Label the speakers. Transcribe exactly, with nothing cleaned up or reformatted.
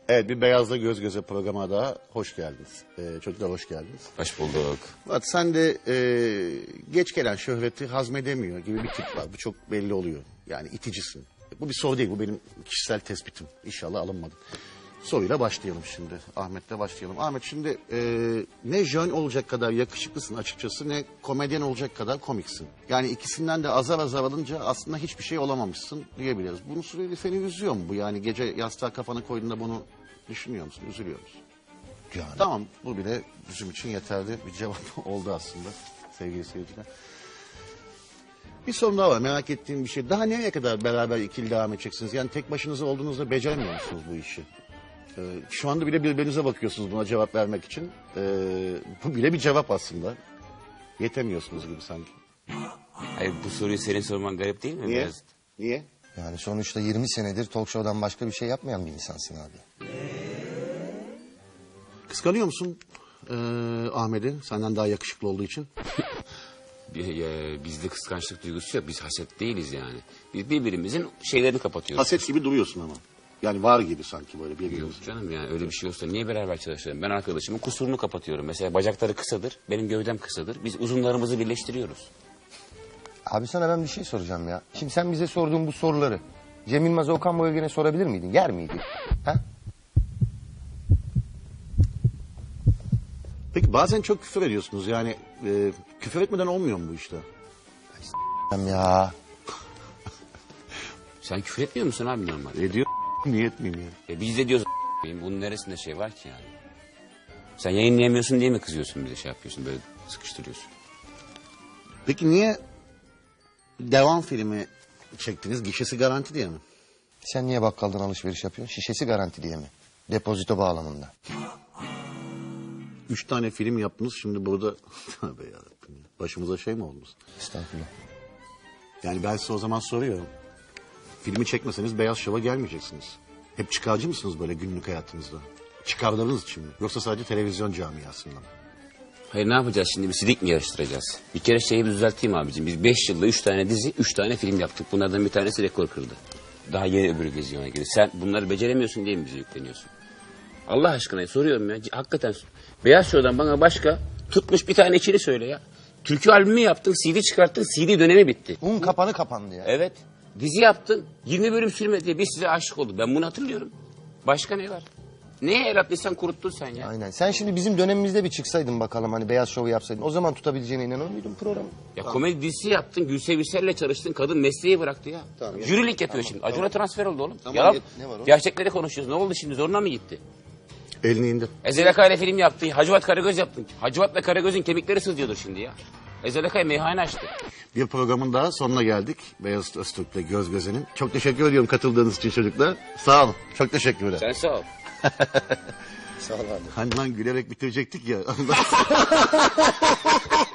Speaker 1: Evet, bir Beyaz'la Göz Göze programa daha hoş geldiniz. Ee, çocuklar hoş geldiniz.
Speaker 2: Hoş bulduk.
Speaker 1: Bak sen de e, geç gelen şöhreti hazmedemiyor gibi bir tip var. Bu çok belli oluyor. Yani iticisin. Bu bir soru değil, bu benim kişisel tespitim. İnşallah alınmadım. Soruyla başlayalım şimdi. Ahmet'le başlayalım. Ahmet, şimdi e, ne jön olacak kadar yakışıklısın açıkçası, ne komedyen olacak kadar komiksin. Yani ikisinden de azar azar alınca aslında hiçbir şey olamamışsın diyebiliriz. Bunu sürekli seni üzüyor mu bu? Yani gece yastığa kafanı koyduğunda bunu düşünüyor musun, üzülüyor musun?
Speaker 3: Yani.
Speaker 1: Tamam, bu bile bizim için yeterli bir cevap oldu aslında sevgili seyirciler. Bir sorun daha var, merak ettiğim bir şey. Daha nereye kadar beraber ikili devam edeceksiniz? Yani tek başınıza olduğunuzda beceremiyor musunuz bu işi? Ee, şu anda bile birbirinize bakıyorsunuz buna cevap vermek için. Ee, bu bile bir cevap aslında. Yetemiyorsunuz gibi sanki.
Speaker 2: Hayır, bu soruyu senin sorman garip değil mi?
Speaker 1: Niye?
Speaker 2: Biraz...
Speaker 1: Niye?
Speaker 3: Yani sonuçta yirmi senedir talk show'dan başka bir şey yapmayan bir insansın abi.
Speaker 1: Kıskanıyor musun ee, Ahmet'i senden daha yakışıklı olduğu için?
Speaker 2: Bizde kıskançlık duygusu yok. Biz haset değiliz yani. Biz birbirimizin şeylerini kapatıyoruz.
Speaker 1: Haset gibi duruyorsun ama. Yani var gibi sanki böyle birbirimiz.
Speaker 2: Yok canım, yani öyle bir şey olsa niye beraber çalışalım? Ben arkadaşımın kusurunu kapatıyorum. Mesela bacakları kısadır, benim gövdem kısadır. Biz uzunlarımızı birleştiriyoruz.
Speaker 3: Abi sana ben bir şey soracağım ya. Şimdi sen bize sorduğun bu soruları Cem Yılmaz'a, Okan Bayülgen'e sorabilir miydin? Yer miydi? Ha?
Speaker 1: Peki bazen çok küfür ediyorsunuz. Yani e, küfür etmeden olmuyor mu bu işte?
Speaker 3: Ya.
Speaker 2: Sen küfür etmiyor musun abi normal?
Speaker 1: Ediyor. Niye etmeyeyim yani?
Speaker 2: E biz de diyoruz bunun neresinde şey var ki yani? Sen yayınlayamıyorsun diye mi kızıyorsun, bize şey yapıyorsun, böyle sıkıştırıyorsun?
Speaker 1: Peki niye devam filmi çektiniz? Gişesi garanti diye mi?
Speaker 3: Sen niye bakkaldan alışveriş yapıyorsun? Şişesi garanti diye mi? Depozito bağlamında.
Speaker 1: Üç tane film yaptınız, şimdi burada... Tövbe yarabbim ya. Başımıza şey mi olmuş?
Speaker 3: Estağfurullah.
Speaker 1: Yani ben size o zaman soruyorum. Filmi çekmeseniz Beyaz Şov'a gelmeyeceksiniz. Hep çıkarcı mısınız böyle günlük hayatınızda? Çıkarlarınız için mi? Yoksa sadece televizyon camiasında mı?
Speaker 2: Hayır, ne yapacağız şimdi? Bir sidik mi yarıştıracağız? Bir kere şeyi bir düzelteyim abicim. Biz beş yılda üç tane dizi, üç tane film yaptık. Bunlardan bir tanesi rekor kırdı. Daha yeni öbürü vizyona girdi. Sen bunları beceremiyorsun diye mi bize yükleniyorsun? Allah aşkına soruyorum ya. Hakikaten Beyaz Show'dan bana başka tutmuş bir tane içeri söyle ya. Türkü albümü yaptın, C D çıkarttın, C D dönemi bitti.
Speaker 3: Un kapanı kapandı ya.
Speaker 2: Evet. Dizi yaptın, yirmi bölüm sürmedi. Biz size aşık olduk. Ben bunu hatırlıyorum. Başka ne var? Neye el attıysan kuruttun sen ya.
Speaker 3: Aynen. Sen şimdi bizim dönemimizde bir çıksaydın bakalım, hani Beyaz Şov'u yapsaydın. O zaman tutabileceğine inanır mıydın programı?
Speaker 2: Ya komedi dizisi yaptın, Gülse Birsel'le çalıştın. Kadın mesleği bıraktı ya.
Speaker 1: Tamam, ya.
Speaker 2: Jürilik yapıyor
Speaker 1: Tamam,
Speaker 2: şimdi.
Speaker 1: tamam.
Speaker 2: Acun'a transfer oldu oğlum.
Speaker 1: Tamam,
Speaker 2: Yalan.
Speaker 1: ya,
Speaker 3: ne var o?
Speaker 2: Gerçekleri konuşuyoruz. Ne oldu şimdi? Zoruna mı gitti?
Speaker 1: Elini indir.
Speaker 2: Ezel Akay ile film yaptın. Hacivat Karagöz yaptın. Hacivat'la Karagöz'ün kemikleri sızlıyordur şimdi ya. Ezel Akay meyhane açtı.
Speaker 1: Bir programın daha sonuna geldik. Beyaz Öztürk'le Göz Göze'nin. Çok teşekkür ediyorum katıldığınız için çocuklar. Sağ olun. Çok teşekkür ederim.
Speaker 2: Sen sağ ol.
Speaker 3: Sağ ol abi.
Speaker 1: Hani lan gülerek bitirecektik ya.